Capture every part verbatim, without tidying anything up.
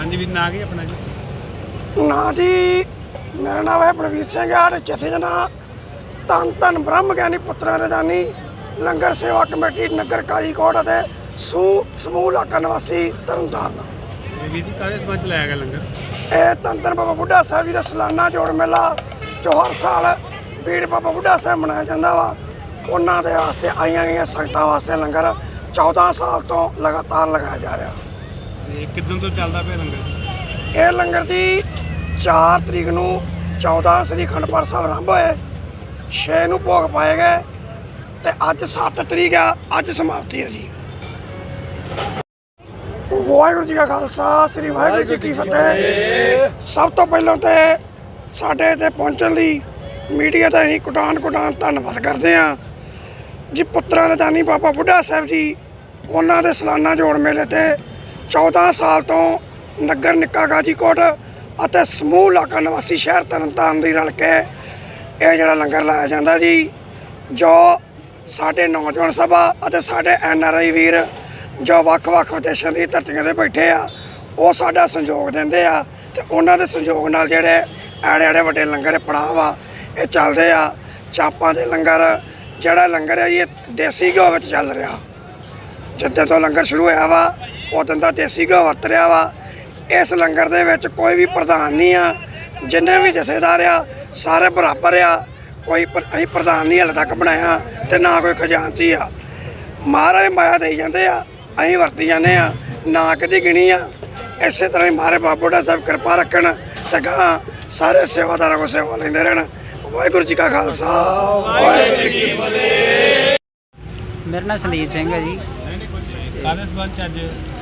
हाँ जी, भी ना गए अपना जी ना जी मेरा नाम है बलवीर सिंह है। जथे जना धन धन ब्रह्म ज्ञानी पुत्रा रजानी लंगर सेवा कमेटी नगर कालीकोट ਅਤੇ ਸਮੂਹ ਸਮੂਹ ਇਲਾਕਾ ਨਿਵਾਸੀ ਤਰਨਤਾਰਨ। ये भी जी काले संबंध च लाया गया लंगर ਇਹ ਧੰਨ ਧੰਨ ਬਾਬਾ ਬੁੱਢਾ ਸਾਹਿਬ ਜੀ ਦਾ ਸਾਲਾਨਾ ਜੋੜ ਮੇਲਾ ਜੋ ਹਰ ਸਾਲ ਬੀੜ ਬਾਬਾ ਬੁੱਢਾ ਸਾਹਿਬ ਮਨਾਇਆ ਜਾਂਦਾ ਵਾ। ਉਹਨਾਂ ਦੇ ਵਾਸਤੇ ਆਈਆਂ ਗਈਆਂ ਸੰਗਤਾਂ ਵਾਸਤੇ ਲੰਗਰ ਚੌਦਾਂ ਸਾਲ ਤੋਂ ਲਗਾਤਾਰ ਲਗਾਇਆ ਜਾ ਰਿਹਾ। ये किदन तो चलता पे लंगर ਇਹ ਲੰਗਰ ਜੀ ਚਾਰ ਤਰੀਕ ਨੂੰ ਚੌਦਾਂ ਸ੍ਰੀ ਅਖੰਡ ਪਾਠ ਸਾਹਿਬ ਆਰੰਭ ਹੋਏ, ਛੇ ਨੂੰ ਭੋਗ ਪਾਏ ਗਏ ਤੇ ਅੱਜ ਸੱਤ ਤਰੀਕ ਆ, ਅੱਜ ਸਮਾਪਤੀ ਹੈ ਜੀ। ਵਾਹਿਗੁਰੂ ਜੀ ਕਾ ਖਾਲਸਾ ਸ੍ਰੀ ਵਾਹਿਗੁਰੂ ਜੀ ਕੀ ਫਤਿਹ। ਸਭ ਤੋਂ ਪਹਿਲਾਂ ਤੇ ਸਾਡੇ ਤੇ ਪਹੁੰਚਣ ਲਈ ਮੀਡੀਆ ਦਾ ਅਸੀਂ ਕੁਟਾਨ ਕੁਟਾਨ ਧੰਨਵਾਦ ਕਰਦੇ ਹਾਂ ਜੀ। ਪੁੱਤਰਾਂ ਦੇ ਦਾਨੀ ਬਾਬਾ ਬੁੱਢਾ ਸਾਹਿਬ ਜੀ ਉਹਨਾਂ ਦੇ ਸਾਲਾਨਾ ਜੋੜ ਮੇਲੇ ਤੇ ਚੌਦਾਂ ਸਾਲ ਤੋਂ ਨਗਰ ਨਿੱਕਾ ਗਾਜੀਕੋਟ ਅਤੇ ਸਮੂਹ ਇਲਾਕਾ ਨਿਵਾਸੀ ਸ਼ਹਿਰ ਤਰਨਤਾਰਨ ਦੀ ਰਲ ਕੇ ਇਹ ਜਿਹੜਾ ਲੰਗਰ ਲਾਇਆ ਜਾਂਦਾ ਜੀ। ਜੋ ਸਾਡੇ ਨੌਜਵਾਨ ਸਭਾ ਅਤੇ ਸਾਡੇ ਐਨ ਆਰ ਆਈ ਵੀਰ ਜੋ ਵੱਖ-ਵੱਖ ਵਿਦੇਸ਼ਾਂ ਦੀ ਧਰਤੀਆਂ 'ਤੇ ਬੈਠੇ ਆ, ਉਹ ਸਾਡਾ ਸਹਿਯੋਗ ਦਿੰਦੇ ਆ ਤੇ ਉਹਨਾਂ ਦੇ ਸਹਿਯੋਗ ਨਾਲ ਜਿਹੜੇ ਐੜੇ ਐੜੇ ਵੱਡੇ ਲੰਗਰ ਪੜਾਅ ਵਾ ਇਹ ਚੱਲਦੇ ਆ। ਚਾਪਾਂ ਦੇ ਲੰਗਰ ਜਿਹੜਾ ਲੰਗਰ ਹੈ ਜੀ ਇਹ ਦੇਸੀ ਘਿਓ ਵਿੱਚ ਚੱਲ ਰਿਹਾ। ਜਿੱਦਾਂ ਤੋਂ ਲੰਗਰ ਸ਼ੁਰੂ ਹੋਇਆ ਵਾ ਉਦੋਂ ਦਾ ਦੇਸੀ ਘਿਓ ਵਰਤ ਰਿਹਾ ਵਾ। ਇਸ ਲੰਗਰ ਦੇ ਵਿੱਚ ਕੋਈ ਵੀ ਪ੍ਰਧਾਨ ਨਹੀਂ ਆ, ਜਿੰਨੇ ਵੀ ਜਥੇਦਾਰ ਆ ਸਾਰੇ ਬਰਾਬਰ ਆ। ਕੋਈ ਅਸੀਂ ਪ੍ਰਧਾਨ ਨਹੀਂ ਹਾਲੇ ਤੱਕ ਬਣਾਇਆ ਤੇ ਨਾ ਕੋਈ ਖਜ਼ਾਨਚੀ ਆ। ਮਹਾਰਾਜ ਮਾਇਆ ਦੇਈ ਜਾਂਦੇ ਆ, ਅਸੀਂ ਵਰਤੀ ਜਾਂਦੇ ਆ, ਨਾ ਕਦੀ ਗਿਣੀ ਆ। ਇਸੇ ਤਰ੍ਹਾਂ ਹੀ ਮਹਾਰਾਜ ਬਾਬਾ ਬੁੱਢਾ ਸਾਹਿਬ ਕਿਰਪਾ ਰੱਖਣ ਤੇ ਗਾਂ ਸਾਰੇ ਸੇਵਾਦਾਰਾਂ ਕੋਲ ਸੇਵਾ ਲੈਂਦੇ ਰਹਿਣ। ਵਾਹਿਗੁਰੂ ਜੀ ਕਾ ਖਾਲਸਾ ਵਾਹਿਗੁਰੂ ਜੀ ਕੀ ਫਤਿਹ। मेरा नाम संदीप सिंह है जी। काले संबंध च अज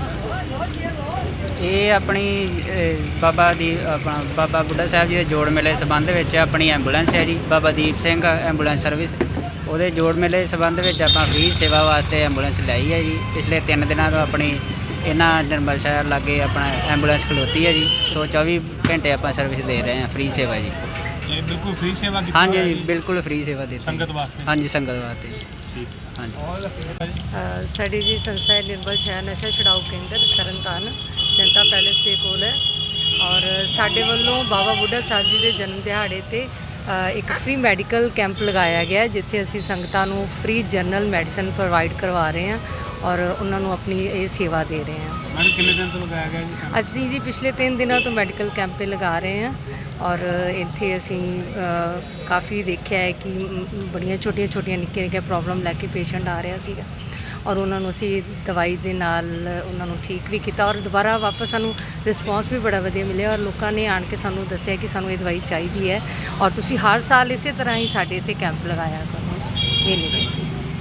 ਇਹ ਆਪਣੀ ਅਹ, ਬਾਬਾ ਦੀ ਆਪਣਾ ਬਾਬਾ ਬੁੱਢਾ ਸਾਹਿਬ ਜੀ ਦੇ ਜੋੜ ਮੇਲੇ ਸੰਬੰਧ ਵਿੱਚ ਆਪਣੀ ਐਂਬੂਲੈਂਸ ਹੈ ਜੀ ਬਾਬਾ ਦੀਪ ਸਿੰਘ ਐਂਬੂਲੈਂਸ ਸਰਵਿਸ। ਉਹਦੇ ਜੋੜ ਮੇਲੇ ਸੰਬੰਧ ਵਿੱਚ ਆਪਾਂ ਫ੍ਰੀ ਸੇਵਾ ਵਾਸਤੇ ਐਂਬੂਲੈਂਸ ਲਈ ਹੈ ਜੀ। ਪਿਛਲੇ ਤਿੰਨ ਦਿਨਾਂ ਤੋਂ ਆਪਣੀ ਇਹਨਾਂ ਨਿਰਮਲ ਸ਼ਹਿਰ ਲਾਗੇ ਆਪਣਾ ਐਂਬੂਲੈਂਸ ਖਲੋਤੀ ਹੈ ਜੀ। ਸੋ ਚੌਵੀ ਘੰਟੇ ਆਪਾਂ ਸਰਵਿਸ ਦੇ ਰਹੇ ਹਾਂ, ਫ੍ਰੀ ਸੇਵਾ ਜੀ। ये बिल्कुल फ्री सेवा की ਹਾਂਜੀ ਜੀ ਬਿਲਕੁਲ ਫ੍ਰੀ ਸੇਵਾ ਦਿੱਤੀ संगत वास्ते ਹਾਂਜੀ ਸੰਗਤ ਵਾਸਤੇ ठीक ਹਾਂਜੀ। ਅ, ਸਾਡੀ ਜੀ ਸੰਸਥਾ ਹੈ ਨਿਰਮਲ ਸ਼ਹਿਰ ਨਸ਼ਾ ਛੁਡਾਊ ਕੇਂਦਰ ਤਰਨਤਾਰਨ ਜਨਤਾ ਪੈਲੇਸ ਦੇ ਕੋਲ ਹੈ। ਔਰ ਸਾਡੇ ਵੱਲੋਂ ਬਾਬਾ ਬੁੱਢਾ ਸਾਹਿਬ ਜੀ ਦੇ ਜਨਮ ਦਿਹਾੜੇ ਤੇ ਅ, ਇੱਕ ਫ੍ਰੀ ਮੈਡੀਕਲ ਕੈਂਪ ਲਗਾਇਆ ਗਿਆ ਜਿੱਥੇ ਅਸੀਂ ਸੰਗਤਾਂ ਨੂੰ ਫ੍ਰੀ ਜਨਰਲ ਮੈਡੀਸਨ ਪ੍ਰੋਵਾਈਡ ਕਰਵਾ ਰਹੇ ਹਾਂ ਔਰ ਉਹਨਾਂ ਨੂੰ ਆਪਣੀ ਇਹ ਸੇਵਾ ਦੇ ਰਹੇ ਹਾਂ। मैडम कितने दिन तो लगाया गया जी ਅਸੀਂ ਜੀ ਪਿਛਲੇ ਤਿੰਨ ਦਿਨਾਂ ਤੋਂ ਮੈਡੀਕਲ ਕੈਂਪ ਲਗਾ ਰਹੇ ਹਾਂ ਔਰ ਇੱਥੇ ਅਸੀਂ ਅ, ਕਾਫੀ ਦੇਖਿਆ ਹੈ ਕਿ ਮ, ਬੜੀਆਂ ਛੋਟੀਆਂ ਛੋਟੀਆਂ ਨਿੱਕੀਆਂ ਨਿੱਕੀਆਂ ਪ੍ਰੋਬਲਮ ਲੈ ਕੇ ਪੇਸ਼ੈਂਟ ਆ ਰਿਹਾ ਸੀਗਾ ਔਰ ਉਹਨਾਂ ਨੂੰ ਅਸੀਂ ਦਵਾਈ ਦੇ ਨਾਲ ਉਹਨਾਂ ਨੂੰ ਠੀਕ ਵੀ ਕੀਤਾ ਔਰ ਦੁਬਾਰਾ ਵਾਪਸ ਸਾਨੂੰ ਰਿਸਪੌਂਸ ਵੀ ਬੜਾ ਵਧੀਆ ਮਿਲਿਆ ਔਰ ਲੋਕਾਂ ਨੇ ਆਣ ਕੇ ਸਾਨੂੰ ਦੱਸਿਆ ਕਿ ਸਾਨੂੰ ਇਹ ਦਵਾਈ ਚਾਹੀਦੀ ਹੈ ਔਰ ਤੁਸੀਂ ਹਰ ਸਾਲ ਇਸੇ ਤਰ੍ਹਾਂ ਹੀ ਸਾਡੇ ਇੱਥੇ ਕੈਂਪ ਲਗਾਇਆ ਕਰੋ ਮੇਲੇ ਦੇ।